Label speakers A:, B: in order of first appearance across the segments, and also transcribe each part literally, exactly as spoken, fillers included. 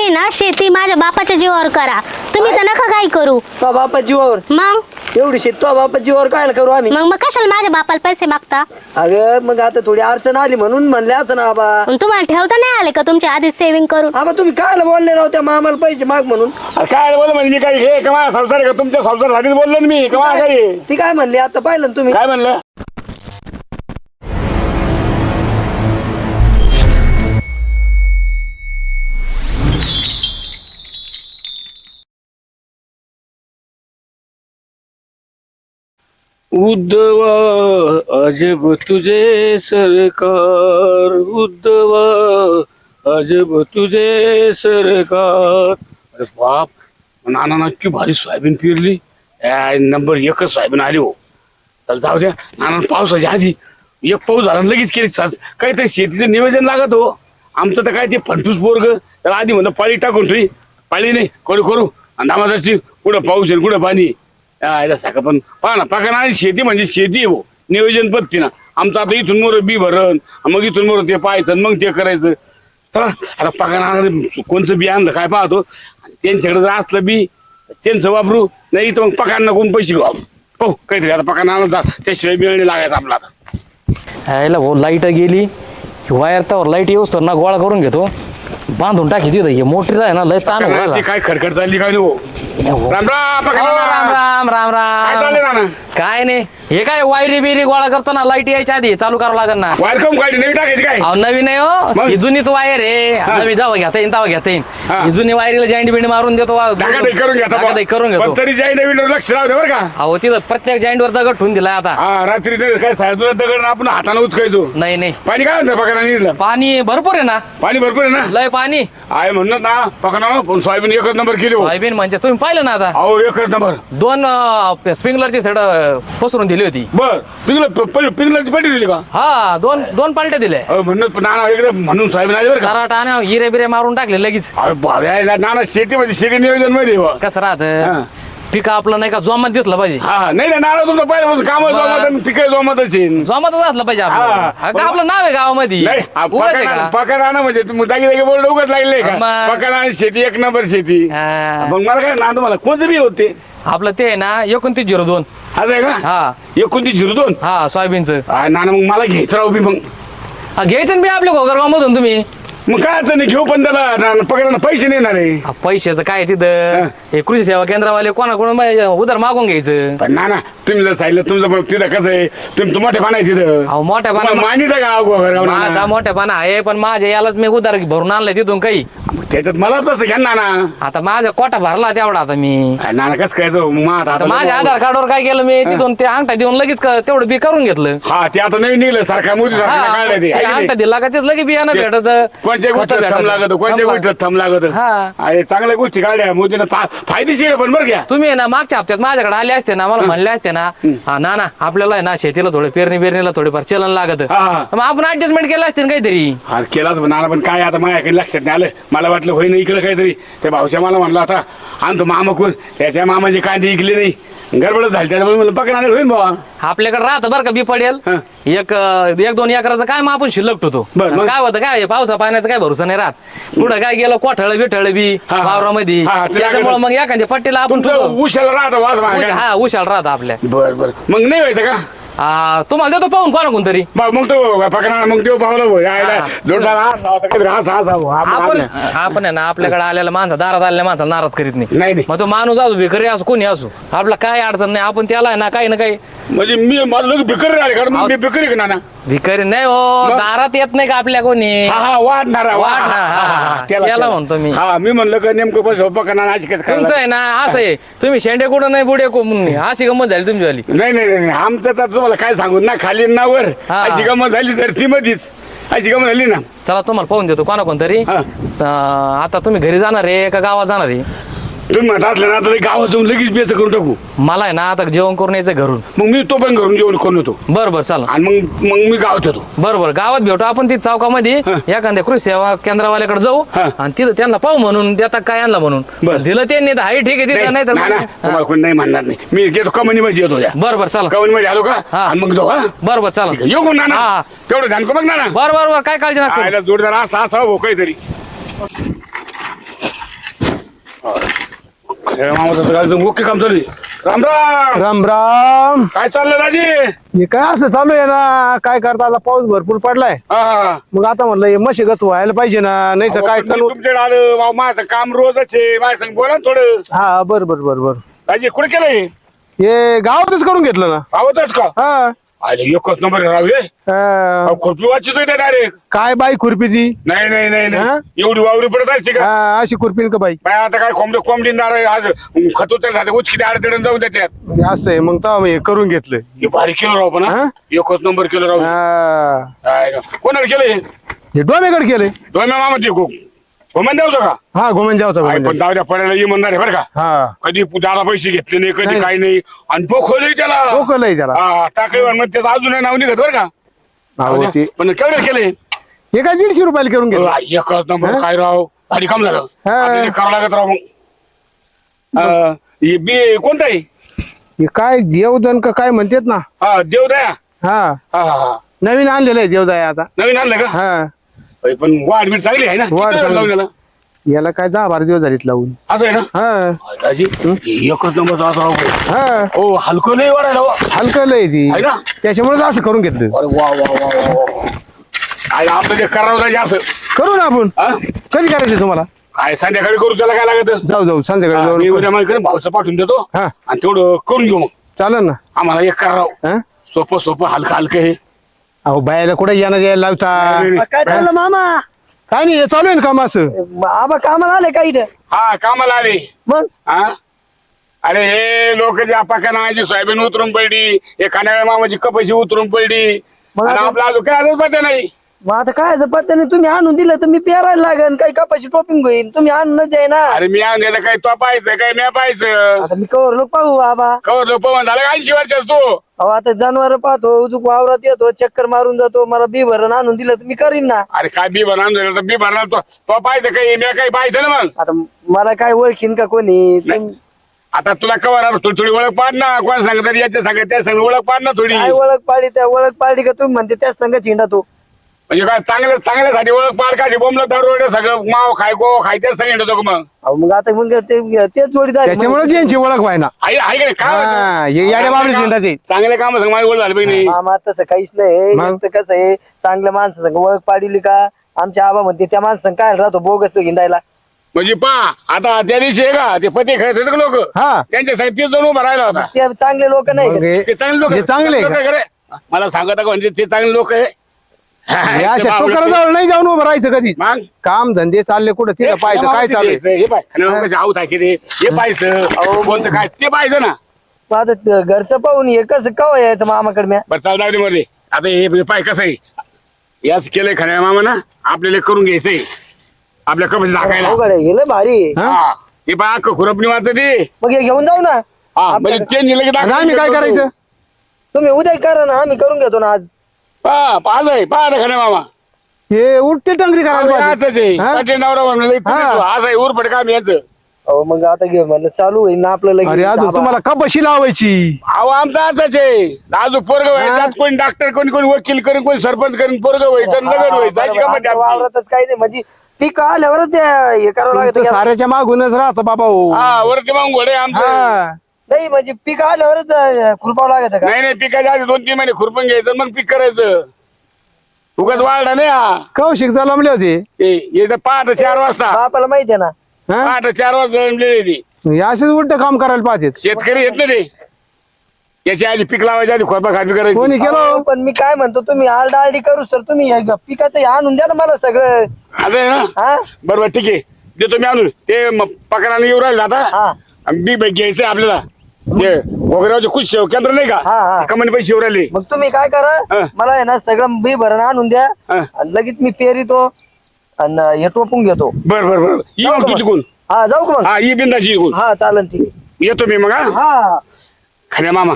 A: ना शेती माझ्या बापाच्या जीवावर करा, तुम्ही तर नका काय करू.
B: तो बापा जीवावर
A: मग
B: एवढी शेत तो बापा जीवावर काय करू आम्ही?
A: मग मग कशाला माझ्या बापाला पैसे मागता?
B: अगं मग आता थोडी अडचण आली म्हणून म्हणले असं ना आबा.
A: मग तुम्हाला ठेवता नाही आले का तुमच्या आधी सेव्हिंग करून?
B: आबा तुम्ही काय बोलले राव त्या मामाला पैसे माग म्हणून?
C: काय बोल म्हणजे मी काय हे कमा संसार का तुमच्या संसारासाठीच बोललो ना मी. कमा काय
B: ती काय म्हणली आता पाहिलं ना तुम्ही?
C: काय म्हणलं?
D: उद्धवा अजब तुझे सरकार, उद्धवा अजब तुझे सरकार. अरे बाप, नाना नक्की भारी सोयाबीन पेरली. नंबर एकच सोयाबीन आली हो. तर जाऊ द्या, नाना पावसाच्या आधी एक पाऊस झाला लगेच केली. काहीतरी शेतीचं नियोजन लागत हो. आमचं तर काय ते फंटूस पोरग, त्याला आधी म्हणलं पाळी टाकून ठेवी, पाळी नाही करू करू आणि दामाची कुठं पाऊस आहे कुठं पाणी आहे साखा. पण पहा ना पाका ना, शेती म्हणजे शेती हो, नियोजन पद्धती ना. आमचं आता इथून मोर बी भरण, मग इथून मोर ते पाहायचं मग ते करायचं. चला आता पाका ना कोणचं बी आणलं काय पाहतो, त्यांच्याकडे जर असलं बी त्यांचं वापरू, नाही तर मग पकांना कोण पैसे घेऊ पाहू काहीतरी. आता पका ना जा, त्याशिवाय बिळणी लागायचं आपला. आता
E: यायला भाऊ लाईट गेली, वायर तर लाईट येऊस तर ना गोळा करून घेतो, बांधून टाकी तिथं. हे मोटरीला आहे ना लय ताण व्हायला.
C: काय खडखड चालली काय नाही हो. राम राम पका
E: राम राम राम
C: काय
E: राम.
C: चाललंय नाना?
E: काय नाही, हे काय वायरी बिरी गोळा करतो ना, लाईट यायच्या आधी चालू करावं लागेल ना.
C: वेलकम गाडी नवी टाकायची काय?
E: अहो नवीन आहे हो,
C: मग?
E: ही जुनीच वायर आहे. नवी जावं घेता येईन तवा घेता येईन.
C: हा.
E: ही जुनी वायरीला जॉईंट बिंड मारून देतो,
C: धाकाधाकी करून घेता बुवा.
E: धाकाधाकी करून घेतो.
C: पण तरी जाई नवीन लक्ष राहू दे बरं का.
E: अहो तिथं प्रत्येक जॉईंट वर दगड ठेवून दिलाय आता.
C: हा रात्री ते काय साहेब दगड आपण हाताने उचकायचो.
E: नाही नाही,
C: पाणी काय म्हणतं पकडा निघलं?
E: पाणी भरपूर आहे ना,
C: पाणी भरपूर आहे ना?
E: लय पाणी.
C: आहे म्हणत ना पकडा, पण सोयाबीन एकच नंबर केली हो.
E: सोयाबीन म्हणजे तुम्ही पाहिलं ना आता,
C: अहो एकच नंबर.
E: दोन स्प्रिंकलरची सेड पसरून दिली होती.
C: बर पिंगल पिंगलाची पट्टी दिली का?
E: हा दोन दोन पालट्या दिले.
C: अहो म्हणत नाना एकदम म्हणून सोयाबीन आली बरं का.
E: कराट आणि हिरे बिरे मारून टाकले लगेच.
C: अरे बाबा नाना शेती म्हणजे शेती नियोजन मध्ये हो.
E: कसं
C: हा.
E: राहत पीक आपलं नाही का जोमात दिसलं पाहिजे.
C: हा नाही नाही नाना तुमचं पहिलं काम जोमात पिकं जोमात असेल.
E: जोमातच असलं पाहिजे आपलं.
C: हा.
E: अगं, आपलं नाव आहे गावामध्ये.
C: नाही
E: उगाच आहे का?
C: पका नाना म्हणजे तुम्ही जागी जागी बोर्ड उगाच लागले का?
E: मग.
C: पका नाना शेती एक नंबर शेती.
E: हा.
C: मग मला काय ना तुम्हाला कोणतं बी होते
E: आपलं ते आहे ना एकोणतीस झिरो दोन.
C: असं आहे का?
E: हा
C: एकोणतीस झिरो दोन.
E: हा सोयाबीनचं.
C: हा, नाना मग मला घ्यायचं राहू बी मग.
E: हा, घ्यायचं ना बी आपल्या घोगरगाव मधून तुम्ही.
C: मग काय अडचण नाही घेऊ, पण त्याला पकडायला पैसे नाही येणार आहे.
E: हा, पैशाचं काय तिथं हे कृषी सेवा केंद्रावाले कोणाकडून मा- उधार मागून घ्यायचं.
C: पण नाना तुम्ही जर सांगितलं तुमचं पण तिथं कसं आहे, तुम्ही मोठे पान आहे तिथं.
E: अहो मोठ्या
C: तुम्हाला
E: पाना
C: मानित आहे का अहो घरावर
E: माझा
C: नाना?
E: मोठ्यापणा आहे, पण माझ्या यालाच मी उधार भरून आणलंय तिथून काही.
C: त्याच्यात मला तसं घ्या ना नाना.
E: आता माझा कोटा भरला तेवढा आता मी.
C: अरे नाना कसं काय जाऊ मग आता
E: आता माझ्या आधार कार्डवर काय केलं मी, तिथून ते अंगठा देऊन लगेच क- तेवढं बी करून घेतलं.
C: हा ते आता नवीन निघलं सरकार मोदी सरकार
E: हा,
C: काढलं ते
E: ते
C: आहे की नाही?
E: अंगठा दिला का तिथं लगेच बियाणं
C: ते
E: भेटत.
C: कोणत्या
E: खतं
C: गोष्टीत थम
E: भेटत.
C: लागत कोणत्या
E: थम
C: गोष्टीत थम लागत.
E: हा.
C: अरे चांगल्या गोष्टी काढल्या मोदीनं फा- फायदेशीर आहे पण बरं घ्या.
E: तुम्ही आहे ना मागच्या हप्त्यात माझ्याकडे आले असते ना, मला म्हणले असते ना, हा ना ना आपल्याला आहे ना शेतीला थोडे पेरणी पेरणीला थोडेफार चलन लागत,
C: हा, हा.
E: मग आपण ऍडजस्टमेंट केलं असते ना काहीतरी.
C: हा केलाच पण नाना, पण काय आता माझ्याकडे लक्षात नाही आलं. मला वाटलं होई नाही इकडे काहीतरी. त्या भाऊच्या मला म्हणला आता आणतो मामा कोण, त्याच्या मामाचे कांदे इकले नाही, गडबडच झाली. त्याच्यामुळे म्हणलं पकडा होईन बाबा.
E: आपल्याकडे राहतं बरं का बी पडेल
C: हा.
E: एक एक दोन एकराचं काय मग आपण शिल्लक ठेवतो.
C: बरं, मग?
E: काय होतं काय पावसा पाण्याचा काय भरोसा नाही राहत, पुढं काय गेलं कोठळ बिठळ बी
C: हा, हा.
E: वावरामध्ये,
C: हा, ते
E: त्याच्यामुळे
C: लागलं.
E: मग एखाद्या पट्टीला आपण
C: तुमचं
E: ठेवतो.
C: उशाला राहतं वाज
E: उश-
C: माझ्या.
E: हा उशाल राहत आपल्या.
C: बर बर मग नाही व्हायचं का?
E: आ, तुम्हाला देतो पाहून कोणा कोण तरी.
C: बा- मग तो पकडा मग तो पावला भाऊ यायला
E: हा.
C: जोडदार हात लावायचा, काहीतरी हात हात हात हात
E: आपण
C: हात.
E: आपण आहे ना आपल्याकडे आलेला माणसा दारात आलेल्या माणसाला नाराज करीत नाही.
C: नाही नाही
E: मग तो माणूस असू भिकारी असू कोणी असू, आपला काय अडचण नाही, आपण त्याला आहे ना काही ना काही.
C: म्हणजे मी मला लोक भिकारी राहिले कारण मग मी भिकारी का नाना?
E: भिकारी नाही हो,
C: मग?
E: दारात येत नाही का आपल्या कोणी.
C: हा हा वाढणारा
E: वाढ, हा, हा, हा. त्याला म्हणतो मी.
C: हा मी म्हणलं का नेमकं पैसे पकडणार आज कसं
E: तुमचं
C: करायला?
E: आहे ना असं आहे, तुम्ही शेंडे कुठं नाही बुडे कोण अशी गंमत झाली तुमची वाली.
C: नाही नाही नाही आमचं तर तुम्हाला काय सांगू ना, खाली ना वर
E: हा.
C: अशी गमत झाली तर ती मधीच अशी गमत झाली ना.
E: चला तुम्हाला पाहून देतो कोणा कोणतरी.
C: हा.
E: अं, आता तुम्ही घरी जाणार आहे का गावात जाणार आहे?
C: तुम्ही म्हणत असलं ना तर गावात जाऊन लगेच बेच करून टाकू.
E: मला आहे ना आता जेवण करून यायचं घरून.
C: मग मी तो पण घरून जेवण करून येतो
E: बरं बरं चला.
C: आणि मग मग मी गावात येतो.
E: बरं बरं गावात भेटू आपण ती चौकामध्ये
C: हा.
E: एखाद्या कृषी सेवा केंद्रावाल्याकडे जाऊ
C: हा.
E: आणि तिथं त्यांना पाहू म्हणून देता काय आणला म्हणून.
C: बरं.
E: दिलं त्यांनी तर हाय ठीक आहे तिथं, नाही तर
C: नाही ना, तुम्हाला कोणी नाही म्हणणार नाही. मी येतो कमनी मध्ये येतो त्या
E: बरं बरं चला.
C: कमनी मध्ये आलो का
E: हा.
C: आणि मग जाऊ. हा
E: बरं बरं चला.
C: ठीक आहे. येऊ कोण नाना
E: हा.
C: तेवढं ध्यान करू बघ नाना.
E: बरं बरं बरं काय काळजी नका करू.
C: आयला जोडदार असा असा हो काहीतरी. खऱ्या मामाचं काय मुख्य काम चालू आहे. राम राम.
F: राम राम.
C: काय चाललं राजी?
F: हे काय असं चालू आहे ना, काय करता आता पाऊस भरपूर पडलाय.
C: हा
F: मग आता म्हणलं हे मशागत व्हायला पाहिजे ना, नाही तर काय चालू.
C: तुमच्याकडे आलं माव, माझं काम रोजच आहे. माझ्या संग बोला ना थोडं.
F: हा बर बर बर बर.
C: राजी कुठे केलंय?
F: हे गावातच करून घेतलं ना.
C: आवतच का?
F: हा
C: अरे एकच नंबर राहू
F: हा.
C: खुरपी वाचित डायरेक्ट.
F: काय बाई खुरपीची?
C: नाही नाही नाही
F: हा?
C: नाही एवढी वावरी पडत असते का?
F: हा, अशी खुरपीन का बाई?
C: बाय आता काय कोंबडी कोंबडी नारळ आज खतोतर झालं उचकी अडचण जाऊन देतात.
F: म्हणजे असं आहे, मग तर हे करून घेतलं.
C: हे भारी केलं राहू पण हा?
F: हा?
C: एकच नंबर केलं राहू.
F: हा.
C: काय राव. कोणाला केलं हे?
F: हे डोमेकडे केलंय.
C: दोन मामा ते घुमन द्यावं का?
F: हा घुमन जावचा
C: काय पण जाऊ द्या पडायला इमानदार आहे बरं का.
F: हा
C: कधी दादा पैसे घेतले नाही कधी
F: नाही.
C: काही नाही आणि पोखवलंय त्याला.
F: डोकलंय त्याला.
C: हा टाकळी मग त्याचं अजून नाव निघत बरं का.
F: अहो, ते-
C: पण केवढं केलंय?
F: हे काय दीडशे रुपयाला करून घेतलं.
C: एकच नंबर
F: हा?
C: काय राव भारी काम झालं.
F: हा.
C: आता ते करावं लागत राव मग. अं, हे बी कोणतं आहे?
F: हे काय देवदन का काय म्हणतात ना.
C: हा देवदया.
F: हा
C: हा हा हा
F: नवीन आणलेलं आहे देवदाय आता.
C: नवीन आणलं का?
F: हा
C: अय, पण वाढ बीड चांगली आहे ना. किती
F: वाढ
C: दिवस
F: चांगली.
C: लावून याला?
F: याला काय दहा बारा दिवस झालीत लावून.
C: असं आहे ना.
F: हा
C: दाजी एकच नंबर असं राव.
F: हा
C: हो हलकं नाही वाढायला हो.
F: हलकं लय ती
C: आहे ना?
F: त्याच्यामुळे असं करून घेतलं.
C: अरे वा वा वा वा वा. काय आपलं ते करावं दाजी असं.
F: करू ना आपण.
C: हा?
F: कधी करायचं तुम्हाला?
C: काय संध्याकाळी करू त्याला काय लागत?
F: जाऊ जाऊ संध्याकाळी
C: मी
F: जाऊ.
C: उद्या माझ्याकडे भाऊचं पाठवून देतो
F: हा
C: आणि तेवढं करून घेऊ मग.
F: चालेल ना.
C: आम्हाला एक कराव
F: हा
C: सोपं सोपं हलकं हलकं हे.
F: अहो बायाला कुठे येणं यायला लावता.
C: नाही, नाही.
B: काय चाललं मामा?
F: काय नाही हे चालू आहे ना काम असं.
B: आबा कामाला आले का इथं?
C: हा कामाला आले.
B: मग
C: हा अरे हे लोक जे पाका नावाची सोयाबीन उतरून पडली एखाद्या मामाची कपाशी उतरून पडली
B: मग
C: आणि
B: आता-
C: आपला अजून काय आजच पत्ता नाही.
B: मग आता काय पत्ता नाही, तुम्ही आणून दिलं तर मी पेरायला लागेल, काही कपाशी टोपिंग होईल, तुम्ही आणून द्याय ना.
C: अरे मी आणलं काय तो पाहायचं काय मी पाहायचं
B: आता मी कवर लोक पाहू आबा.
C: कवर लोक झालं का ऐंशी वर्षाच तू.
B: अहो आता जनावर पाहतो उजूक वावरात येतो चक्कर मारून जातो, मला बी भरण आणून दिलं तर मी करीन ना.
C: अरे काय बी बनवून झालं तर बी बनणार तो तो पाहायचं काही मी काही पाहायचं ना मग.
B: आता मला काय ओळखीन का कोणी?
C: नाही. आता तुला कवर आलं थोडी थोडी ओळख पाड ना. कोण सांगत तरी याच्या सांगत त्या सांग ओळख पाड ना थोडी.
B: काय ओळख पाडी त्या ओळख पाडी का तुम्ही म्हणते त्याच संघ चिंडा तो.
C: म्हणजे काय चांगल्या चांगल्यासाठी ओळख पाड का बोंबलं दारू सगळं माव खाय गो खाय त्याच सांगितलं तो मग.
B: अहो मग आता मग ते तेच जोडीदार आहे.
F: त्याच्यामुळे यांची ओळख व्हाय ना.
C: आहे आहे का नाही? काय
F: हा,
C: होतं?
F: हे येड्या बाबडे झेंडाचे.
C: चांगले काम सांग माझी ओळख झाली पाहिजे.
B: मामा तसं काहीच नाही.
F: मग?
B: एक तर कसं आहे, चांगल्या माणसं संग ओळख पाडिली का आमच्या आबा म्हणते त्या माणसं काय राहतो बोगस हिंडायला.
C: म्हणजे पा आता त्या दिवशी आहे का ते पती खेळत होते लोक
F: हा
C: त्यांच्या साठी ते जाऊन उभा राहिला होता.
B: ते चांगले लोक नाही
F: मग
B: का?
F: हे-
C: ते चांगले लोक
F: हे चांगले का?
C: खरे मला सांगत का म्हणजे ते चांगले लोक आहे.
F: हे अशा टोकराजवळ नाही जाऊन उभं राहायचं कधी.
C: मग
F: काम धंदे चालले कुठं तिथं पाहायचं काय चालू आहे.
C: हे पाय खाण्यावर कसे आऊत आहे की ते हे पाहायचं कोणतं काय ते पाहायचं ना.
B: मग आता ते घरचं पाहून हे कसं कवा यायचं मामाकडे म्या?
C: बरं चाल जाऊ दे मध्ये आता हे पाय कसं आहे याच केलंय खऱ्या मामा ना आपल्याला करून घ्यायचंय आपल्या कपडे टाकायला.
B: अवघड आहे, गेलं भारी.
C: हा हे पाय अख्खं खुरपणी वाचत ते.
B: मग हे घेऊन जाऊ ना.
C: हा म्हणजे ते नेलं की
F: आणि आम्ही काय करायचं?
B: तुम्ही उद्या करा ना, आम्ही करून घेतो ना आज.
C: पा पाच आहे पा खऱ्या मामा.
F: हे उलटी टंगरी करायला
C: आजच
F: पाहिजे.
C: आहे
F: हा?
C: पाटील नवरा म्हणलं
F: हा.
C: आज आहे उरफड काम याचं.
B: अहो मग आता घे म्हणलं चालू होईल ना आपलं लगेच.
F: अरे अजून
B: आबा.
F: तुम्हाला कपाशी लावायची.
C: अहो आमचा असंच आहे अजून पोरग व्हायचं कोणी डॉक्टर कोणी कोणी वकील करून कोणी सरपंच करून पोरग व्हायचं
B: हा,
C: नगर व्हायचं अशी
B: बरोबर.
C: गंमत
B: आमच्या
C: आहे आमची.
B: वावरातच काही नाही म्हणजे पीक आल्यावरच ते हे करावं
F: तुमचं
B: लागतं.
F: साऱ्याच्या मागूनच राहतं बाबा हो.
C: हा वरती मग घोडे आमचं.
F: हा
B: नाही म्हणजे पीक आल्यावरच अं, खुरपावं लागत का?
C: नाही नाही पिकाच्या आधी दोन तीन महिने खुरपण घ्यायचं मग पीक करायचं. उगाच वाढला नाही हा.
F: कौशिक जलमले होते.
C: हे हे तर पहाटे चार वाजता
B: बापाला माहिती आहे ना.
F: हा?
C: पहाटे चार वाजता जमलेली ती.
F: हे असेच उलट काम करायला पाहिजे.
C: शेतकरी येत नाही ते याच्या आधी पीक लावायच्या आधी खोरपा खापी करायची.
F: कोणी केलं?
B: अहो, पण मी काय म्हणतो तुम्ही आरडा आरडी करूच तर तुम्ही हे पिकाचं हे आणून द्या ना मला सगळं.
C: असं आहे ना
B: हा
C: बरोबर ठीक आहे देतो मी आणून ते म- पकडाने येऊ राहिले आता
B: हा
C: आणि बी बाई घ्यायचंय आपल्याला ते वगैरे खुश केंद्र नाही
B: हा, हा.
C: का कमानी पैसे येऊ राहिले.
B: मग तुम्ही काय करा
C: हा.
B: मला आहे ना सगळं बी भरण आणून द्या
C: हा.
B: आणि लगेच मी पेरितो आणि हे टोपून घेतो.
C: बर बर बर ये
B: जाऊ
C: मग
B: का
C: तू
B: मग?
C: तिकून.
B: हा जाऊ का मग?
C: हा ये बिंदाची इकून
B: हा चालन ठीक आहे.
C: येतो मी मग हा
B: हा
C: खऱ्या मामा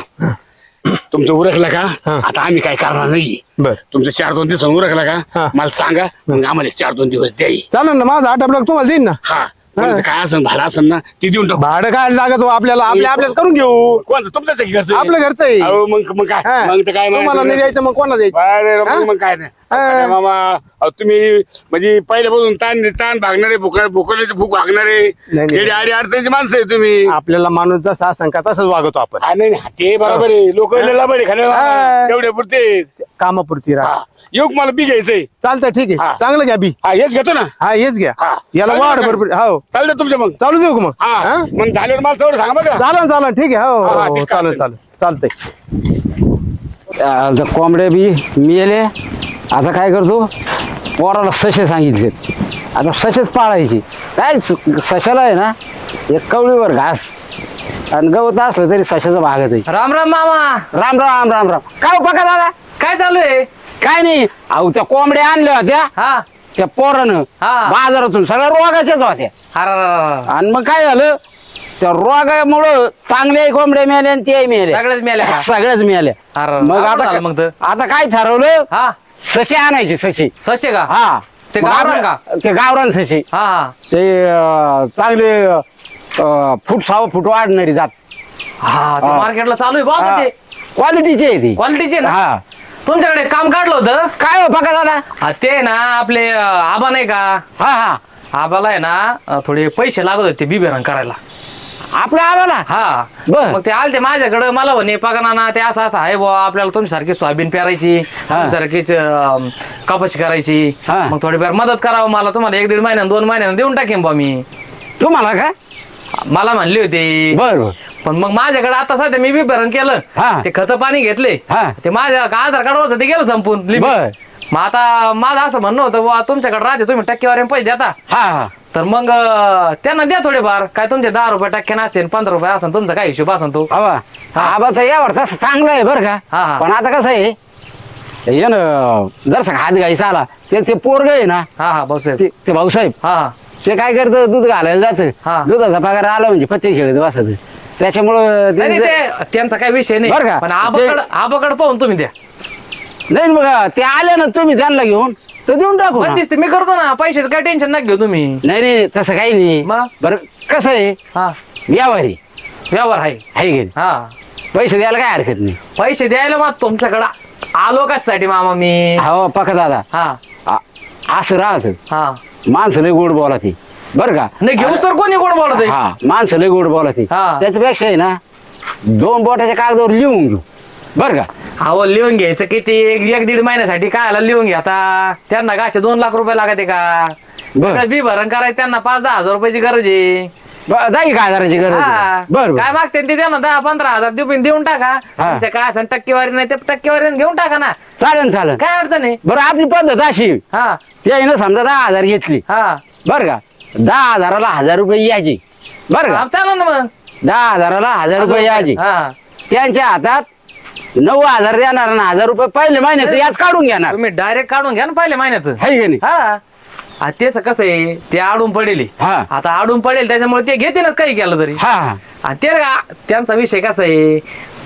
C: तुमचं उरकलं का
F: हा.
C: आता आम्ही काय करणार नाही.
F: बर
C: तुमचं चार दोन दिवस उरकलं
F: हा.
C: का मला सांगा मग आम्हाला चार दोन दिवस द्याई.
F: चालेल ना माझा आठ आपल्याला तुम्हाला देईन ना.
C: हा कोणाचं काय असेल भाडं असेल ना ती देऊन टाकू.
F: भाडं काय लागत हो आपल्याला आपल्या आपल्याच करून घेऊ.
C: कोणतं तुमचंच आहे की घरचं?
F: आपलं घरचं आहे.
C: अहो, मग मग काय
F: हा.
C: मग ते काय
F: तुम्हाला नाही
C: म्हणायचं?
F: द्यायचं मग कोणाला द्यायचं?
C: अरे मग-
F: हा?
C: मग काय नाही.
F: हा.
C: अरे मामा अहो, तुम्ही म्हणजे पहिल्यापासून ताण ताण भागणारे भुका भुकल्याचे भूक भागणारे
F: नाही.
C: जेडी आडी अडचणीची माणसं आहे तुम्ही.
F: आपल्याला माणूस जसा असं तसंच वागतो आपण.
C: हा, नाही नाही, ते बरोबर आहे लोक बडे खाणे
F: हा.
C: तेवढे पुरते.
F: कामापुरती राहा.
C: हा. येऊ का मला बी घ्यायचंय?
F: चालतं ठीक
C: हा.
F: आहे. चांगलं घ्या बी.
C: हा हेच घेतो ना.
F: हा हेच घ्या.
C: हा.
F: याला
C: चालेल
F: वाढ
C: का?
F: भरपूर. हो
C: चालतं तुमच्या मग.
F: चालू देऊ का मग?
C: हा
F: हा?
C: मग झाल्यावर मला सगळं सांगा बघा.
F: चालन चालन ठीक आहे. हो,
C: हा,
F: हो
C: तेच
F: चालेल
C: चालतंय.
F: चालेल चालतंय.
G: आता कोंबड्या बी मिळाले. आता काय करतो, पोराला सशे सांगितले, आता सशेच पाळायची. काय स- सशाला आहे ना एक कवळीवर घास आणि गवत असलं तरी सशाचा भागत आहे.
H: राम राम मामा.
G: राम राम राम राम. काय बघा दादा,
H: काय चालू आहे?
G: काय नाही. अहो त्या कोंबड्या आणल्या होत्या
H: हा
G: त्या पोरानं
H: हा.
G: बाजारातून, सगळ्या रोगाच्याच होत्या.
H: अरे
G: आणि मग काय झालं, त्या रोगामुळं चांगल्या कोंबड्या मिळाल्या आणि त्याही मिळाल्या,
H: सगळेच मेल्या का?
G: सगळ्याच मिळाल्या.
H: अरे,
G: मग
H: अवघड
G: आता
H: झालं मग तर.
G: आता काय ठरवलं,
H: हा
G: सशी आणायची. सशी
H: सशे का?
G: हा
H: ते
G: मग
H: गावरान
G: आपल्या-
H: का?
G: ते गावरान सशी.
H: हा हा
G: ते अं, चांगले अं, फूट सहा फूट वाढणारी जात.
H: हा ते
G: हा.
H: मार्केटला चालू आहे बघा ते
G: क्वालिटीची आहे ती.
H: क्वालिटीचे ना.
G: हा.
H: तुमच्याकडे एक काम काढलं होतं.
G: काय हो बघा दादा.
H: हा, ते ना आपले अं, आबा नाही का,
G: हा हा
H: आबाला आहे ना अं, थोडे पैसे लागत होते बिबेरंग करायला.
G: आपल्या आम्हाला
H: हा
G: बर.
H: मग ते आलते माझ्याकडे, मला म्हणे पगाना ना ते असं असं आहे बुवा, आपल्याला तुमच्यासारखी सोयाबीन पेरायची, तुमच्यासारखीच अं, कपाशी करायची,
G: हा.
H: मग थोडीफार मदत करावं मला. तुम्हाला एक दीड महिन्यानं दोन महिन्यानं देऊन टाकेन बुवा मी.
G: तुम्हाला का?
H: मला म्हणले होते.
G: बर बर.
H: पण मग माझ्याकडे आता सध्या मी बी भरण केलं,
G: हा.
H: ते खत पाणी घेतले,
G: हा.
H: ते माझ्या आधार कार्ड वरचं ते गेलं संपून limit.
G: बर.
H: मग आता माझं असं म्हणणं होतं बुवा, तुमच्याकडे राहते तुम्ही टक्केवारी पैसे देता,
G: हा हा
H: तर मग अं, त्यांना द्या थोडेफार. काय तुमचे दहा रुपये टक्क्याने असते, पंधरा रुपये असेल, तुमचा काय हिशोब असेल तो.
G: हवा आबाचा यावर तसं चांगलं आहे बरं
H: हा,
G: का.
H: हा.
G: पण आता कसं आहे, ये ना जर हात घायचा आला ते ते पोरग आहे ना,
H: हा हा भाऊसाहेब.
G: ते ते भाऊसाहेब
H: हा हा
G: ते काय करतं, दूध घालायला
H: हा.
G: जातं. दुधाचा पगार आला म्हणजे पत्ते खेळत बसत. त्याच्यामुळं
H: नाही नाही,
G: ते-
H: ते त्यांचा काही विषय नाही,
G: बरं का?
H: पण आबाकड आबाकड पाहून तुम्ही द्या.
G: नाही ना बघा, ते आले ना तुम्ही त्यांना घेऊन तर देऊन टाकू ना.
H: पण दिसते मी करतो ना, पैशाचं काय टेन्शन नका घेऊ तुम्ही.
G: नाही नाही तसं काही नाही.
H: मग?
G: बरं कसं आहे,
H: हा
G: व्यवहारी
H: व्यवहार आहे.
G: आहे की नाही?
H: हा
G: पैसे द्यायला काय हरकत नाही.
H: पैसे द्यायला मग तुमच्याकडं आलो कशासाठी मामा मी.
G: हो पका दादा,
H: हा
G: आ- असं राहत
H: हा
G: माणसं लय गोड बोला ती बरं का.
H: नाही घेऊस तर कोणी कोण बोलत आहे.
G: हा माणसं लय गोड बोला ती.
H: हा.
G: त्याच्यापेक्षा आहे ना दोन बोटाच्या कागदावर लिहून घेऊ बरं का.
H: अहो लिहून घ्यायचं किती, एक एक दीड महिन्यासाठी काय आला लिहून घ्या. आता त्यांना गाचे दोन लाख रुपये लागते का? सगळं बी भरण करायचं त्यांना पाच दहा हजार रुपयाची गरज आहे.
G: ब- जाई काय हजाराची गरज
H: हा.
G: आहे. बरं
H: काय
G: बरं.
H: मागते ते त्यांना दहा पंधरा हजार देऊन देऊन टाका.
G: हा.
H: तुमच्या काय असं टक्केवारी नाही ते टक्केवारी घेऊन टाका ना,
G: चालेल चालेल.
H: काय अडचण आहे.
G: बरं आपली पद्धत अशी,
H: हा
G: ते ना समजा दहा हजार घेतली
H: हा
G: बरं का, दहा हजाराला हजार रुपये यायचे बरं का.
H: हा, चालेल ना मग.
G: दहा हजाराला हजार रुपये यायचे.
H: हा
G: त्यांच्या हातात नऊ हजार देणार ना हजार रुपये पहिले महिन्याचं याच काढून घेणार.
H: तुम्ही डायरेक्ट काढून घ्या ना पहिल्या महिन्याचं.
G: है की नाही.
H: हा आ, तेच कसं आहे, ते आडून पडेल.
G: हा.
H: आता आडून पडेल त्याच्यामुळे ते घेतीलच काही केलं तरी.
G: हा हा
H: आणि ते का- त्यांचा विषय कसा आहे,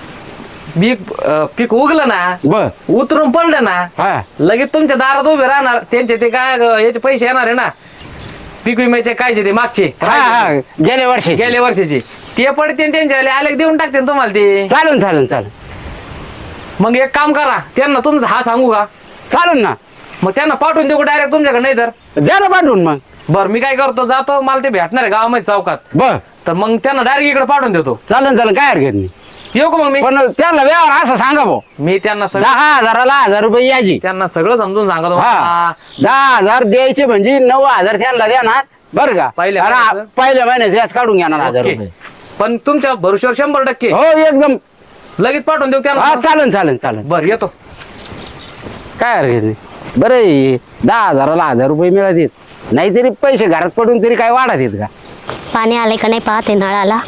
H: पीक अं, पीक उगलं ना,
G: बर
H: उतरून पडलं ना,
G: हा
H: लगेच तुमच्या दारात उभे राहणार. त्यांचे ते काय अं, याचे पैसे येणार आहे ना, पीक विम्याचे कायचे ते मागचे
G: हा हा गेल्या वर्षी
H: गेल्या वर्षीचे ते पडते त्यांच्या आले देऊन टाकते तुम्हाला ते.
G: चालेल चालेल चालेल
H: मग एक काम करा, त्यांना तुमचा हा सांगू का,
G: चालेल ना.
H: मग त्यांना पाठवून देऊ डायरेक्ट तुमच्याकडे. नाही तर
G: द्या ना पाठवून मग.
H: बरं मी काय करतो, जातो मला ते भेटणार आहे गावामध्ये चौकात,
G: बर
H: तर मग त्यांना डायरेक्ट इकडे पाठवून देतो.
G: चालेल चालेल काय हरकत नाही.
H: येऊ का मग मी.
G: पण त्याला व्यवहार असं सांगा भाऊ,
H: मी त्यांना सगळं
G: दहा हजाराला हजार रुपये यायचे.
H: त्यांना सगळं समजून सांगतो.
G: हा दहा हजार द्यायचे म्हणजे नऊ हजार त्यांना देणार बरं का.
H: पहिल्या
G: आणि
H: महिन्याचं?
G: पहिल्या महिन्याचं याच काढून घेणार हजार
H: ओके.
G: रुपये.
H: पण तुमच्या भरोश्यावर शंभर टक्के
G: हो एकदम.
H: लगेच पाठवून देऊ
G: हा
H: त्यांना.
G: चालेल चालेल चालेल
H: बरं येतो.
G: काय हरकत नाही. बरं आहे, दहा हजाराला हजार रुपये मिळत येत नाहीतरी पैसे घरात पडून तरी काय वाढत येत का.
A: पाणी आले का नाही पाहते नळाला.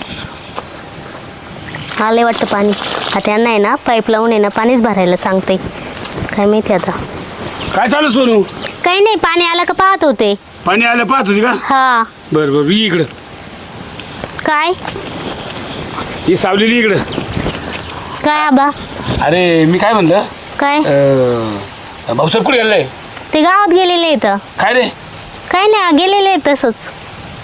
A: आले वाटतं पाणी. आता त्यांना आहे ना पाईप लावून आहे ना पाणीच भरायला सांगते. काय माहिती आता.
C: काय चालू सोनू?
A: काही नाही, पाणी आलं का पाहत होते.
C: पाणी आलं पाहत होती का?
A: हा
C: बरं बरं ये इकडं.
A: काय
C: ही सावलेली इकडं.
A: काय आबा
C: अरे मी काय म्हणलं,
A: काय
C: अं, भाऊसाहेब कुठे गेलाय?
A: ते गावात गेलेले इथं.
C: काय रे?
A: काय नाही गेलेले आहेत तसंच.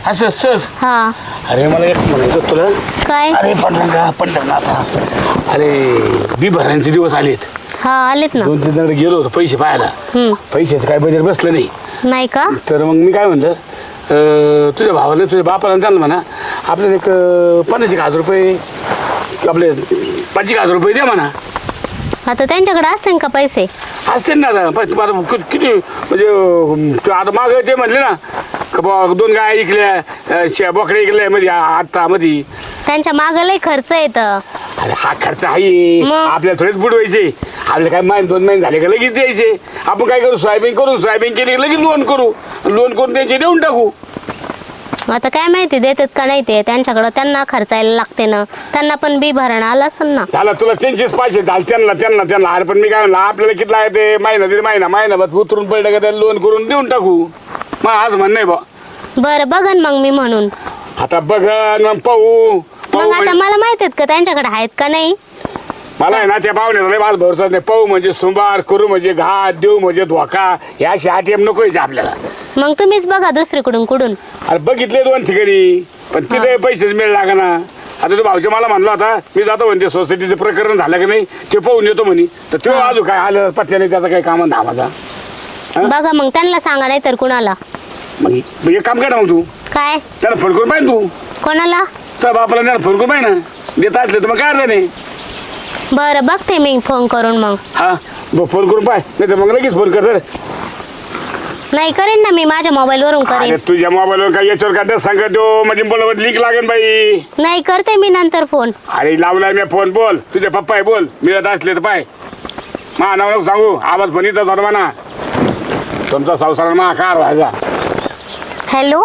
C: असं सहज
A: हा
C: अरे मला एक म्हणायचं तुला
A: काय
C: अरे पंढरंगा पंढरनाथ अरे बी भरांचे दिवस आलेत
A: हा आलेत ना.
C: दोन तीन जण गेलो होतो पैसे पाहायला
A: हम्म.
C: पैशाचं काय बजेट बसलं नाही
A: नाही का?
C: तर मग मी काय म्हणलं अं, तुझ्या भावाला तुझ्या बापाला त्यांना म्हणा आपल्याला एक अं, पन्नास एक हजार रुपये आपले पाच एक हजार रुपये द्या म्हणा.
A: आता त्यांच्याकडे असतील का पैसे?
C: असते ना आता पण तू आता कि- किती म्हणजे अं, तू आता माग ते म्हणले ना का बुवा दोन गाय ऐकल्या अं, शे- बोकड्या ऐकल्या मध्ये आत्ता मध्ये
A: त्यांच्या मागं लय खर्च येतं.
C: अरे हा खर्च आहे
A: मग?
C: आपल्याला थोडेच बुडवायचे आपल्याला काय महिने दोन महिने झाले का लगेच द्यायचे आपण काय करू सोयाबीन करू सोयाबीन केली की लगेच लोन करू लोन करून त्यांचे देऊन टाकू.
A: आता काय माहिती देतात का नाही ते त्यांच्याकडं त्यांना खर्चायला लागते ना त्यांना पण बी भरणं आलं असेल ना.
C: झाला तुला त्यांचेच पैसे झाले त्यांना त्यांना त्यांना अरे पण मी काय म्हणलं आपल्याला किती आहे ते महिना दीड महिना महिनाभर उतरून पडलं का त्याला लोन करून देऊन टाकू. मग आज म्हण नाही बा
A: बरं बघन मग मी म्हणून.
C: आता बघ मग पाहू
A: मग
C: पाहू
A: आता
C: म्हणजे
A: मला माहित आहेत का त्यांच्याकडे आहेत का नाही.
C: मला आहे ना त्या पाहुण्याचा लय माझा भरोसा नाही. पाहू म्हणजे सुंबार करू म्हणजे घात देऊ म्हणजे धोका या अशी आटीएम नको यायचे आपल्याला.
A: मग तुम्हीच बघा दुसरीकडून कुठून.
C: अरे बघितले दोन ठिकाणी पण तिथे पैसेच मिळ लागा ना. आता तो भाऊच्या मला म्हणला होता मी जातो म्हणजे सोसायटीचं प्रकरण झालं की नाही ते पाहून येतो म्हणे तर तो अजून काय आलं पत्त्या नाही त्याचा काही काम धामाचा.
A: बघा मग त्यांना सांगा नाही तर कुणाला.
C: मग मग एक काम कर ना मग तू
A: काय
C: त्याला फोन करून पाहिजे तू
A: कोणाला.
C: तर बापाला त्याला फोन करून पाहिजे ना देता असले तर मग काय अर्थ नाही.
A: बरं बघते मी फोन करून मग.
C: हा बघ फोन करून पाय नाही तर मग लगेच फोन कर तर.
A: नाही करेन ना मी माझ्या मोबाईल वरून
C: अरे
A: करेन.
C: तुझ्या मोबाईलवर काय याच्यावर काय सांगत देऊ म्हणजे बोलवत लीक लागेल बाई.
A: नाही करते मी नंतर फोन.
C: अरे लावलाय मी फोन बोल तुझे पप्पा आहे बोल मिळत असले तर पाय मा नाव नको सांगू आवाज पण येतं होता म्हणा तुमचा संसार मा कार व्हायचा.
A: हॅलो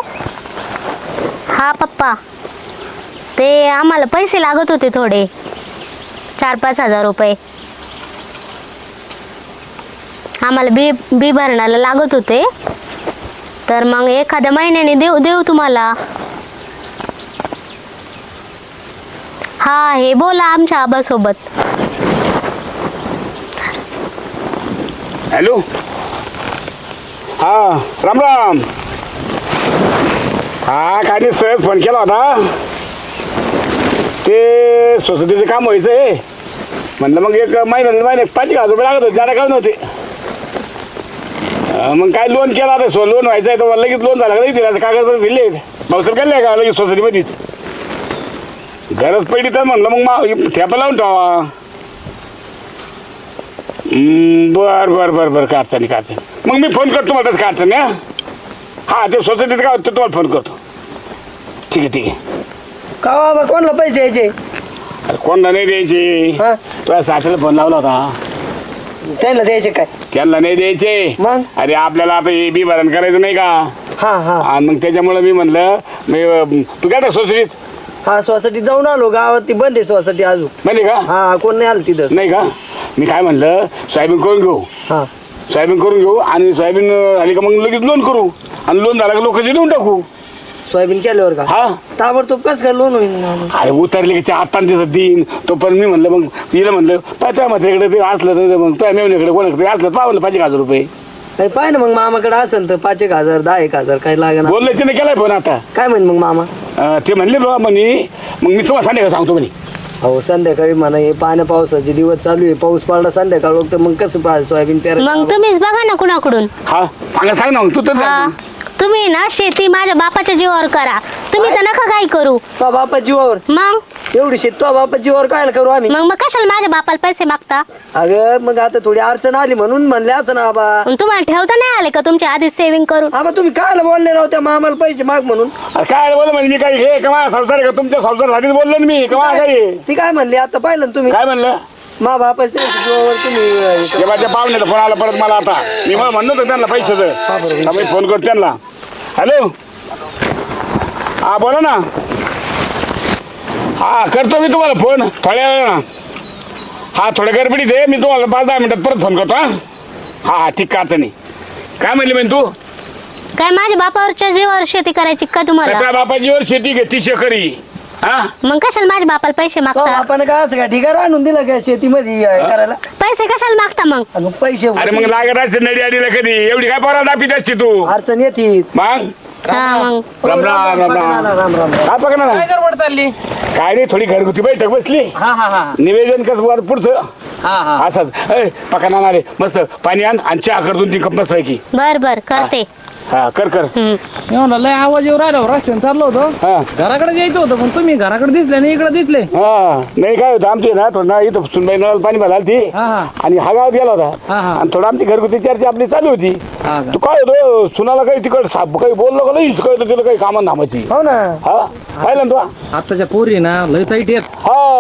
A: हा पप्पा ते आम्हाला पैसे लागत होते थोडे चार पाच हजार रुपये आम्हाला बी बी भरणाला लागत होते तर मग एखाद्या महिन्याने देऊ देऊ तुम्हाला. हा हे बोला आमच्या आबासोबत.
C: हॅलो हा राम राम हा काय नाही सहज फोन केला होता ते सोसायटीचं काम व्हायचं आहे म्हणलं मग एक महिना महिने पाच एक हजार रुपये लागत होते जादा काय नव्हते. अं, मग काय लोन केला आता सो लोन व्हायचं आहे तर मला लगेच लोन झालं का लगेच दिला कागद दिले भाऊसर केले का लगेच सोसायटीमध्येच गरज पडली तर म्हणलं मग मा ठेपा लावून ठेवा. हम्म, बर बर बर बर काय अडचणी काय अडचणी मग मी फोन करतो मला तसं काय अडचणी हा हा ते सोसायटीत काय होतं तुम्हाला फोन करतो. ठीक आहे ठीक आहे.
B: का बाबा कोणाला पैसे द्यायचे
C: अरे कोणला नाही द्यायचे
B: हा
C: तुला सासूला फोन लावला होता
B: त्यांना द्यायचे काय
C: त्यांना नाही द्यायचे.
B: मग?
C: अरे आपल्याला आता हे बी भरण करायचं नाही का
B: हा हा
C: आणि मग त्याच्यामुळे मी म्हणलं मी अं, तू काय सोसायटीत
B: हा सोसायटी जाऊन आलो गावात ती बंद आहे सोसायटी अजून.
C: माहिती का
B: हा कोण नाही आलं तिथं.
C: नाही का मी काय म्हणलं सोयाबीन करून घेऊ
B: हा
C: सोयाबीन करून घेऊ आणि सोयाबीन झाली का मग लगेच लोन करू आणि लोन झाला का लोकांचे देऊन टाकू.
B: सोयाबीन केल्यावर का
C: हा
B: ताबडतोब कसं काय लोन होईल.
C: अरे उतरले की चार पाच दिवसात देईन तो पण मी म्हणलं मग तिला म्हणलं पाय तुझ्या म्हातारीकडे ते असलं तर मग तुझ्या मेवण्याकडे कोणाकडे असलं पावलं पाच एक हजार रुपये
B: काही पाय ना मग मामाकडे असेल तर पाच एक हजार दहा एक हजार काय लागेल.
C: बोलले तिने केलाय फोन आता
B: काय म्हण मग मामा.
C: अं, ते म्हणले बाबा म्हणे मग मी तुम्हाला सांगायला सांगतो म्हणे.
B: हो संध्याकाळी म्हणा हे पाण्या पावसाचे दिवस चालू आहे पाऊस पडला संध्याकाळ तर मग कसं पाहिजे सोयाबीन
A: मग
B: पेरायचं.
A: तुम्हीच बघा ना कुणाकडून.
C: हा सांगा सांग ना मग तू तर
A: हा
C: सांग.
A: तुम्ही ना शेती माझ्या बापाच्या जीवावर करा तुम्ही तर नका काय करू.
B: तो बापा जीवावर
A: मग
B: एवढी शेत तो बापा जीवावर काय करू आम्ही.
A: मग मग कशाला माझ्या बापाला पैसे मागता.
B: अगं मग आता थोडी अडचण आली म्हणून म्हणले असं ना बाबा.
A: मग तुम्हाला ठेवता नाही आले का तुमच्या आधीच सेव्हिंग करून.
B: आबा तुम्ही काय बोलले राव त्या मामाला पैसे माग म्हणून.
C: अरे काय बोल म्हणजे मी काय हे कमा संसार आहे का तुमच्या संसारासाठीच बोललो ना मी कमा काय
B: ती काय म्हणली आता पाहिलं ना तुम्ही
C: काय म्हणलं
B: मा बापा जीवावर तुम्ही.
C: ते माझ्या पाहुण्याचा फोन आला परत मला आता मी मला म्हणत होतो त्यांना पैशाचं मी फोन करतो त्यांना. हॅलो हा बोला ना हा करतो मी तुम्हाला फोन थोड्या वेळा हा थोड्या गडबडीत आहे मी तुम्हाला पाच दहा मिनिटात परत फोन करतो हा हा हा ठीक का नाही काय म्हणली म्हणजे तू
A: काय माझ्या बापावरच्या जीवावर शेती करायची का तुम्हाला.
C: त्या बापाजीवर शेती घेती शेकरी हा
A: मग कशाला माझ्या बापाला पैसे
B: तो
A: मागता.
B: बापानं काय असं का ठिकाण आणून दिलं का शेतीमध्ये हे करायला.
A: पैसे कशाला मागता मग.
B: आणि मग पैसे
C: अरे मग लागत असते नडी अडीला कधी एवढी काय पोरा दापीत असते तू
B: अडचण येतीच.
C: मग
A: हा मग
C: राम राम राम राम
B: राम राम
C: काय पकडा ना
H: काय गडबड चालली
C: काय नाही थोडी घरगुती बैठक बसली
H: हा हा हा
C: निवेदन कसं वर पुढचं
H: हा हा
C: असंच ए पकडा आले मस्त पाणी आण आणि चहा कर दोन तीन कप मस्त की
A: बर बर करते.
C: हा कर कर
A: हम्म.
H: मी म्हणलं लय आवाज येऊ राहिला रस्त्याने चाललो होतो
C: हा
H: घराकडे यायचं होतं पण तुम्ही घराकडे दिसले नाही इकडे दिसले
C: हा नाही काय होतं आमची ना थोडं ना इथं सुनबाई नळाला पाणी भरायला ती
H: हा हा
C: आणि हा गावात गेला
H: हा,
C: होता
H: हा.
C: आणि थोडं आमची घरगुती चर्चा आपली चालू होती
H: हा का?
C: तू काय होतो सुनाला काही तिकड साप काही बोललो का नाही काय तिला काही कामं धामाची
B: हो ना
C: हा पाहिलं ना तू
H: आत्ताच्या पोरी ना लय ताईट येत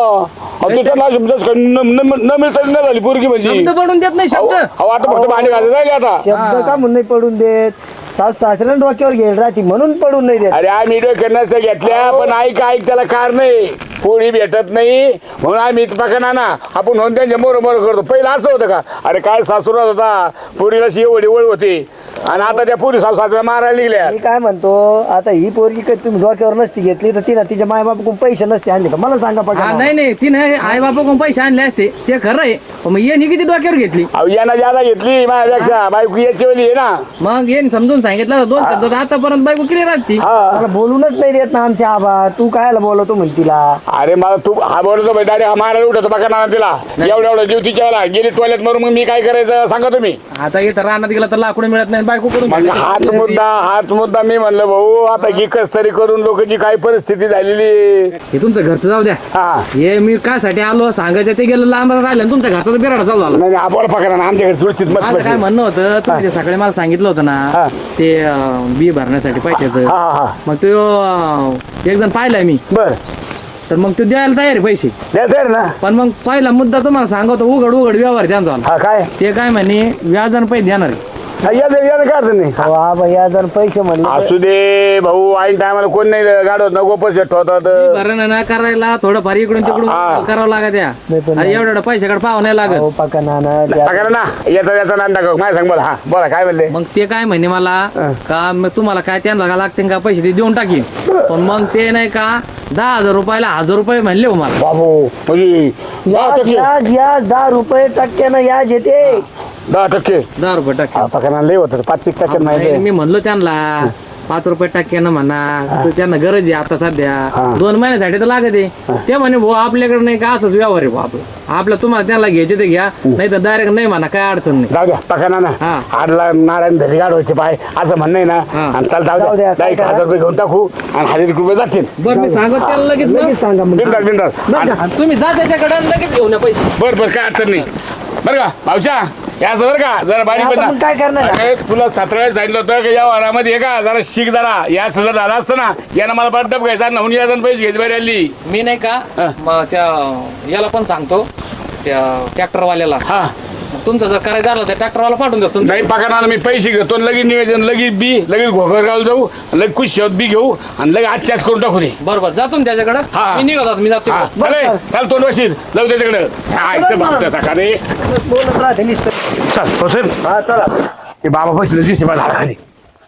C: हा तिथं ना समजाच काही न न- न मिळता न झाली पोरगी म्हणजे
H: शब्द पडून देत नाही शब्द
C: अहो आता फक्त भांडी घालत राहिले आता
B: शब्द का म्हणून नाही पडून देत सास सासऱ्याला डोक्यावर घेईल राहते म्हणून पडून नाही देत
C: अरे आम्ही डोक्यात घेतल्या पण ऐक ऐक त्याला कार नाही पोळी भेटत नाही म्हणून आम्ही पकडा ना आपण म्हणून त्यांच्या मोर मोर करतो पहिलं असं होतं का अरे काय सासूरात होता पोरीला एवढी ओळ होती आणि आता त्या पोरी सासू सासऱ्या मारायला निघल्या
B: मी काय म्हणतो आता ही पोरगी कधी तुम्ही डोक्यावर नसती घेतली तर तिला तिच्या मायबापाकडून पैसे नसते आणले का मला सांगा
H: हा
B: पडा
H: नाही नाही तिने आई बापा कोण पैसे आणले असते ते खरं आहे पण मग येणी किती डोक्यावर घेतली
C: अहो यानं ज्यादा घेतली माझ्यापेक्षा बायको याची वेळी आहे ना
H: मग येईन समजून सांगितलं दोन शब्द आतापर्यंत बायको केली राहती
C: हा
B: मला बोलूनच नाही देत ना आमच्या आबा तू कायला बोलवतो म्हण तिला
C: अरे मला तू हा बोलतो डायरेक्ट हा मारायला उठतो बघा ना तिला एवढं एवढं जीव तिच्या वेळेला गेली टॉयलेट मारून मग मी काय करायचं सांगा तुम्ही
H: आता इथं रानात गेला तर लाकूड मिळत नाही बायको
C: मग
H: करून
C: हाच मुद्दा हाच मुद्दा मी म्हणलं भाऊ आता की कस तरी करून लोकांची काय परिस्थिती झालेली आहे.
H: हे तुमचं घरचं जाऊ द्या
C: हा
H: हे मी कासाठी आलो सांगायचं ते गेलं लांब राहिलं आणि तुमच्या घरचा बिराडा चालू झाला
C: नाही आपण पकडा ना आमच्याकडे सुरक्षित मत
H: माझं काय म्हणणं होतं तुम्ही ते सकाळी मला सांगितलं होतं
C: हा.
H: ना ते अं, बी भरण्यासाठी पैशाचं
C: हा हा
H: मग तो अं, एक जण पाहिलाय मी
C: बर
H: तर मग तो द्यायला तयार आहे पैसे
C: द्यायचं आहे ना
H: पण मग पहिला मुद्दा तुम्हाला सांगतो उघड उघड व्यवहार त्यांचा
C: हा काय
H: ते काय म्हणे व्याजानं पैसे देणार आहे.
C: हा, या दे- या दे, काय अडचण नाही
B: अहो आबा या जर पैसे म्हणले
C: असू दे भाऊ ऐन टायमाला कोण नाही गाडवत नको पैसे ठेवतात
H: भरणं ना करायला थोडंफार इकडून तिकडून
C: हा.
H: करावं लागत या
B: नाही पण
H: अरे एवढं एवढं पैशाकडे पाहावं नाही लागत
B: अहो पका नाना द्या.
C: पकडा ना याचा याचा नांदा टाका माझ्या सांग बोला हा बोला काय म्हणले
H: मग ते काय म्हणे मला का मग तुम्हाला काय त्यांना लागते का पैसे ते देऊन टाकीन पण मग ते नाही का दहा हजार रुपयाला हजार रुपये म्हणले हो मला
C: बाबू म्हणजे दहा
B: याज
C: टक्के
B: याज याज दहा रुपये टक्क्यानं याज येते
C: दहा टक्के
H: दहा रुपये टाके
C: हा, पकडा लय होत पाच एक टक्के
H: नाही,
C: माहिती
H: मी म्हणलो त्यांना पाच रुपये टक्क्यानं म्हणा तर त्यांना गरज आहे आता सध्या
C: हा.
H: दोन महिन्यासाठी तर लागत आहे ते म्हणे भाऊ आपल्याकडे नाही का असंच व्यवहार आहे भाऊ आपलं आपलं तुम्हाला त्यांना घ्यायचे ते घ्या नाही तर डायरेक्ट नाही म्हणा काय अडचण नाही
C: जाऊ द्या पकडा ना
H: हा.
C: आडला नारायण धरी गाडवायचे पाय असं म्हणणं आहे ना
H: हा.
C: आणि चल जाऊ
B: जाऊ
C: द्या
B: द्या,
C: दहा एक
B: काय
C: हजार रुपये घेऊन टाकू आणि हजार एक रुपये जातील
H: बरं मी सांगत त्याला लगेच ना.
B: लगेच सांगा मग
C: बिंदास बिंदास आणि-
H: आणि तुम्ही जा त्याच्याकडे आणि लगेच घेऊन या पैसे
C: बर बर काय अडचण नाही बरं का भाऊच्या या बरं का जरा बारीक
B: आता
C: बना.
B: मग काय करणार?
C: अरे, तुला सतरा वेळेस सांगितलं होतं की या वारामध्ये हे का जरा शिक जरा या जर झाला असतं ना यानं मला पडतप घ्यायचा नवून या पैसे घ्यायची बरी आली
H: मी नाही का
C: हा.
H: मग त्या याला पण सांगतो त्या ट्रॅक्टरवाल्याला
C: हा
H: तुमचं जर करायचं झालं तर ट्रॅक्टरवाला पाठवून द्या तुमचं
C: नाही पकडणार मी पैसे घेतो आणि लगेच निवेदन लगेच बी लगेच घोगरगाव जाऊ लगेच कुश शेवत बी घेऊ आणि लगेच आजच्याच करून टाकू दे
H: बरोबर जातो ना त्याच्याकडे
C: हा.
H: मी निघत होतो, मी जातो
C: हा,
H: तिकडं.
C: चालेल. चाल तोंड वशील जाऊ दे तिकडं हा इथं भागतं सकाळी
B: बोलत राहते नुसतं.
C: चल होसेल
B: हा चला
C: ते बाबा बसले दिसते बा झाडा खाली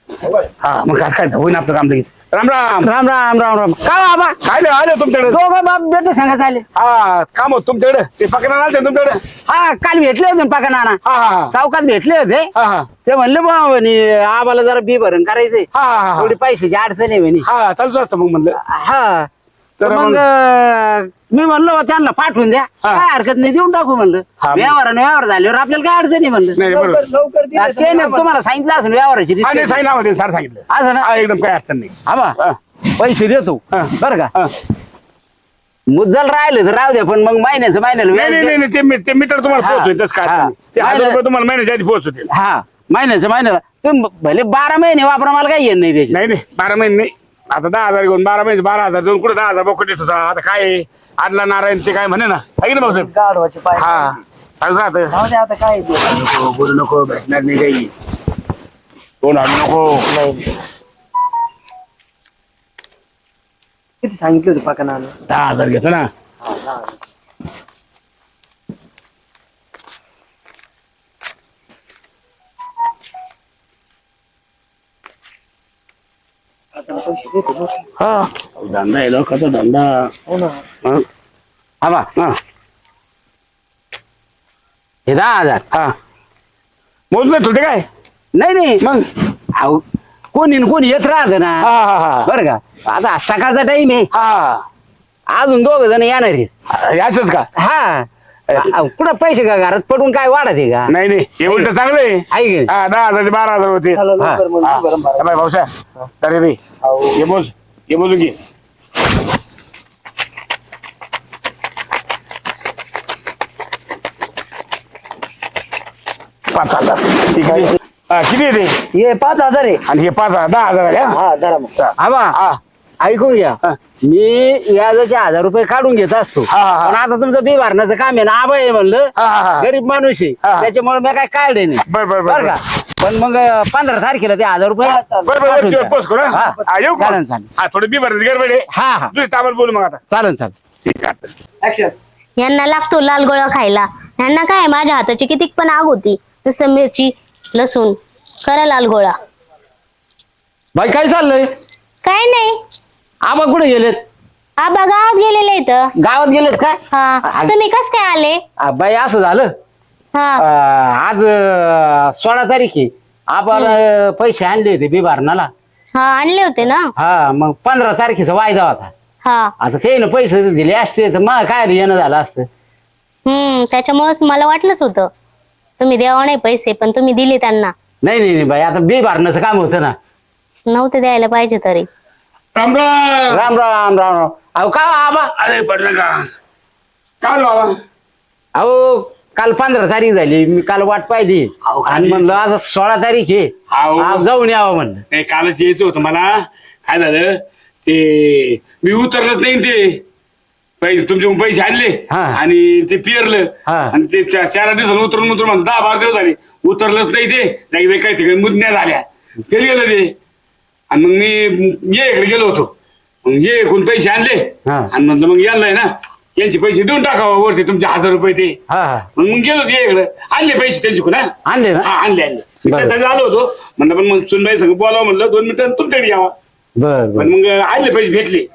C: हा मग काय काय होईन आपलं काम लगेच राम राम
G: राम राम राम राम का बाबा
C: काय नाही आले तुमच्याकडे
G: दोघं बाप बेटे सांगा चालेल
C: हा काम होत तुमच्याकडे ते पकडणार आले तुमच्याकडे
G: हा काल भेटले होते पाका नाना
C: हा हा
G: चौकात भेटले होते
C: हा हा
G: ते म्हणले बा म्हणे आबाला जरा बी भरण करायचंय
C: हा हा
G: थोडी पैशाची अडचण आहे म्हणे
C: हा चालूच असतं मग म्हणलं
G: हा तर
C: तर
G: मग
C: मग-
G: अं, मी म्हणलो त्यांना पाठवून द्या
C: हा.
G: काय हरकत नाही देऊन टाकू म्हणलं
C: हा, मग-
G: व्यवहाराने व्यवहार झाल्यावर आपल्याला काय अडचण आहे म्हणलं
C: नाही बरोबर
B: लवकर लवकर दिलं तर
G: ते
B: मग
G: नाही तुम्हाला सांगितलं असेल व्यवहाराची
C: हा नाही
G: रीत.
C: सांगितलं मध्ये सर सांगितलं
G: असं ना
C: हा एकदम काय अडचण नाही
G: हा बा
C: हा.
G: पैसे देतो
C: हा.
G: बरं का
C: हा.
G: मुद्दल राहिलं तर राहू द्या पण मग महिन्याचं महिन्याला
C: नाही नाही
G: व्याज
C: नाही ते मी- ते मीटर तुम्हाला
G: हा.
C: पोहोचवेल तसं काय अडचण
G: हा.
C: नाही. ते हजार
G: नाही,
C: रुपये तुम्हाला महिन्याच्या आधी पोहोचवतील
G: हा महिन्याचं महिन्याला तुम्ही भले बारा महिने वापरा मला काही येत नाही त्याची
C: नाही नाही बारा महिने नाही आता दहा हजार घेऊन बारा महिने बारा हजार दोन कुठे दहा हजार बोकट येत होता आता काय आहे? आदला नारायण ते काय म्हणे ना आहे की नाही भाऊसाहेब
B: गाढवाचे पाय
C: हा चालू राहतं.
B: जाऊ दे आता काय ते.
C: नको बोलू नको भेटणार नाही काही दोन आणू नको
B: नाही किती सांगितले होते पाका नाना
C: दहा हजार घेतो ना
B: आता पैसे देतो बघ.
C: हा धंदा आहे लोकांचा धंदा
B: हो ना
C: हा
G: हा बा
C: हा
G: हे दहा हजार
C: हा मोजलं तुझे काय
G: नाही नाही
C: मग
G: हाऊ कोणी न कोणी येत राहत ना
C: हा हा हा
G: बरं का आता सकाळचा टाइम आहे
C: हा
G: अजून दोघ जण येणार आहेत
C: असंच का
G: हा आ- कुठं पैसे का घरात पडून काय वाढत आहे का
C: नाही नाही हे उलट चांगलं आहे
G: आहे की नाही?
C: हा दहा हजार ते बारा हजार होते
B: चला लवकर मग
C: हा.
B: बरं बरं.
C: हा, बाई भाऊसा अरे रे ये बोल ये बोलू की पाच हजार ठीक आहे हा, किती येते
B: हे पाच हजार आहे
C: आणि हे पाच हजार दहा हजार आहे हा?
B: हा धरा मग
G: आबा
C: हा
G: ऐकून घ्या
C: हा.
G: मी व्याजाचे हजार रुपये काढून घेत असतो
C: हा, हा, हा.
G: पण आता तुमचं बी भरण्याचं काम आहे ना आबा आहे म्हणलं
C: हा, हा, हा.
G: गरीब माणूस आहे
C: हा.
G: त्याच्यामुळे मी काय काढले नाही
C: बर बर
G: बरं
C: बर
G: का पण मग पंधरा तारखेला ते हजार रुपये
B: हा, चालेल.
C: बर बर
G: पाठवून
C: बर
G: द्या.
C: पोच करू
G: हा.
C: हा येऊ का
G: चालेल, चालेल.
C: हा थोडी बी भरत गडबड आहे
G: हा हा
C: तुझी ताबड बोलू मग आता
G: चालेल चालेल
C: ठीक आहे
B: ऍक्शन
A: यांना लागतो लाल गोळा खायला. यांना काय माझ्या हाताची किती पण आग होती. नुसतं मिरची लसूण करा लाल गोळा.
G: बाई काय चाललंय
A: काय नाही
G: आबा कुठे गेलेत
A: आबा गावात गेलेले इथं.
G: गावात गेलेत काय
A: हा तुम्ही कस काय आले?
G: आ, बाई असं झालं
A: हा
G: अं, आज अं, सोळा तारीख आहे आपण अं, पैसे आणले होते बी भरणाला
A: हा आणले होते ना.
G: हा मग पंधरा तारखेचा वायदा होता
A: हा
G: आता ते ना पैसे दिले असते तर मग काय येणं झालं असतं
A: हम्म त्याच्यामुळेच मला वाटलंच होतं तुम्ही द्यावा नाही पैसे पण तुम्ही दिले त्यांना.
G: नाही नाही नाही बाई आता बी भरण्याचं काम होतं ना
A: नव्हते द्यायला पाहिजे तरी.
C: राम राम
G: राम राम राम राम अहो का आबा
C: अरे पडलं का काय बाबा
G: अहो काल पंधरा तारीख झाली मी काल वाट पाहिली
C: अहो,
G: आणि
C: खाली-
G: म्हणलं आज सोळा तारीख आहे
C: अहो.
G: हा, जाऊन यावं म्हणलं
C: नाही कालच यायचं होतं मला काय झालं ते मी उतरलंच नाही ते पैसे तुमचे पैसे आणले
G: हा.
C: आणि ते पिरलं
G: हा.
C: आणि ते चा- चार आठ दिवसांनी उतरून उतरून म्हणतो दहा बारा दिवस झाले उतरलंच नाही ते नाही काही ठिकाणी मुदण्या झाल्या ते गेलं ते आणि मग मी ये इकडे गेलो होतो मग ये कोण पैसे आणले
G: हा.
C: आणि म्हटलं मग यायलाय ना यांचे पैसे देऊन टाकावं वरती तुमचे हजार रुपये ते
G: हा हा
C: मग मग गेलो ये इकडे आणले पैसे त्यांचे कोण हा
G: आणले ना
C: हा, आणले आणले मी
G: बरं.
C: त्यासाठी आलो होतो म्हणलं पण मग सुनबाई सगळं बोलावं म्हणलं दोन मिनिटं तुमच्याकडे यावा
G: बर बर
C: पण मग आणले पैसे भेटले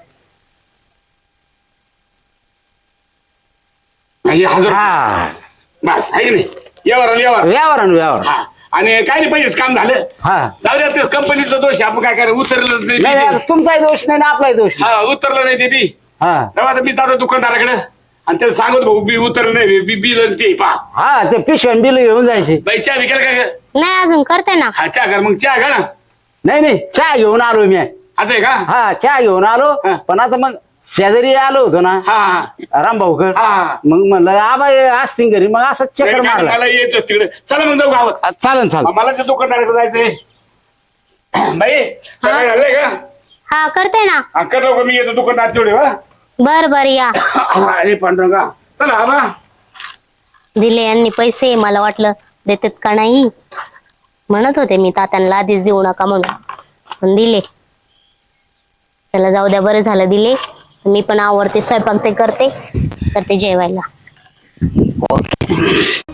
C: आणि हजार
G: हा
C: बस आहे की नाही यावर आलं, यावर
G: यावर आणू यावर
C: हा आणि काय नाही पैसेच काम झालं
G: हा
C: जाऊ द्या तेच कंपनीचा दोष आहे, आपण काय करायचं उतरलं नाही
G: नाही
C: ते.
G: आता तुमचाही दोष नाही ना आपलाही दोष नाही.
C: हा उतरलं नाही ते बी
G: हा
C: तेव्हा आता मी जातो दुकानदाराकडे आणि त्याला सांगतो भाऊ बी उतरलं नाही बी बिल आणि ते पा
G: हा ते पिशवण बिल घेऊन जायचे
C: बाई चहा विकेल काय
A: नाही अजून करते ना.
C: हा चहा कर मग चहा का ना
G: नाही नाही चहा घेऊन आलो मी
C: असं आहे का
G: हा चहा घेऊन आलो
C: हा.
G: पण आता मग शेजारी आलो होतो ना
C: हा हा
G: रामभाऊकड
C: हा.
G: मग म्हणलं आबा असतील घरी मग असं चक्कर
C: नाही,
G: मारला
C: मला यायचं तिकडे चला मग जाऊ गावात
G: चालन चालन
C: मला त्या दुकानदाराकडे जायचंय बाई काय झालंय का
A: हा करते ना.
C: हा, कर लवकर मी येतो दुकानदार तेवढे वा
A: बर बर या.
C: अरे पांडुरंगा चला आबा
A: दिले यांनी पैसे. मला वाटलं देतात का नाही म्हणत होते मी तात्यांना आधीच देऊ नका म्हणून पण दिले. त्याला जाऊ द्या बरं झालं दिले. मी पण आवडते स्वयंपाक ते करते करते जेवायला.